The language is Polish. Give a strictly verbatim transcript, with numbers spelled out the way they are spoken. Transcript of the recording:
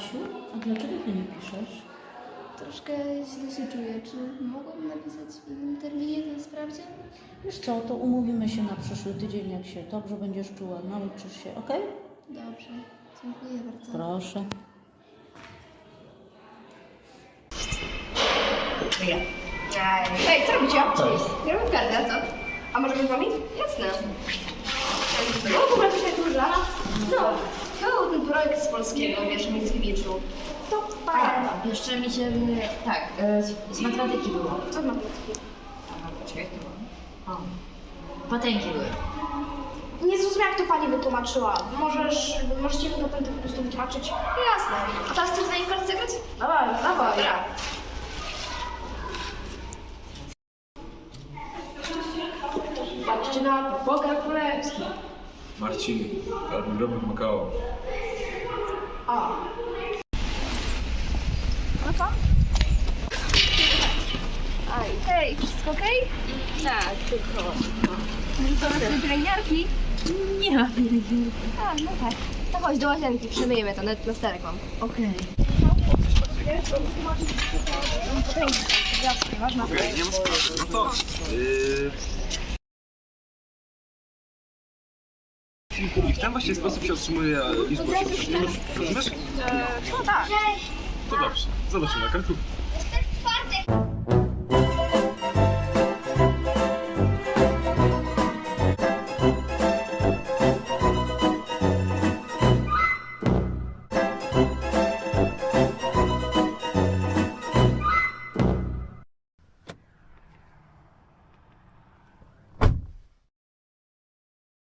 Asiu, a dlaczego ty nie piszesz? Troszkę źle się czuję. Czy mogłam napisać w innym terminie ten sprawdzian? Wiesz co, to umówimy się na przyszły tydzień, jak się dobrze będziesz czuła, nauczysz się, ok? Dobrze. Dziękuję bardzo. Proszę. Hej, co robicie? Cześć. Gramy w kartę, a co? A możemy z wami? Jasne. No, w ogóle coś tu dla nas? No. To był ten projekt z polskiego, wiesz, Mickiewiczu. To pamiętam. Jeszcze mi się, tak, e, z, z matematyki było. Co z matematyki? Aha, poczekaj, to było. O, patenki były. Nie zrozumiałam, jak to pani wytłumaczyła. Możesz, możecie mi potem to po prostu wytłumaczyć? Jasne. A teraz chcesz z nami w kartę zagrać? Dawaj, dawaj. Dobra. Patrzcie na to, Bogdan Królewski. Marcin, Karol Robert Makao. A. No co? Aj. Hej, wszystko okej? Tak, tylko. Może to pielęgniarki? Nie ma pielęgniarki. A, no tak. To chodź do łazienki, przemyjemy to, nawet na sterek mam. Okej. Okej, nie ma sprawy. No to... Yy... I w ten właśnie sposób się otrzymuje liczbę osiemdziesiąt. Rozumiesz? No tak. To dobrze. Zobaczymy na kartku.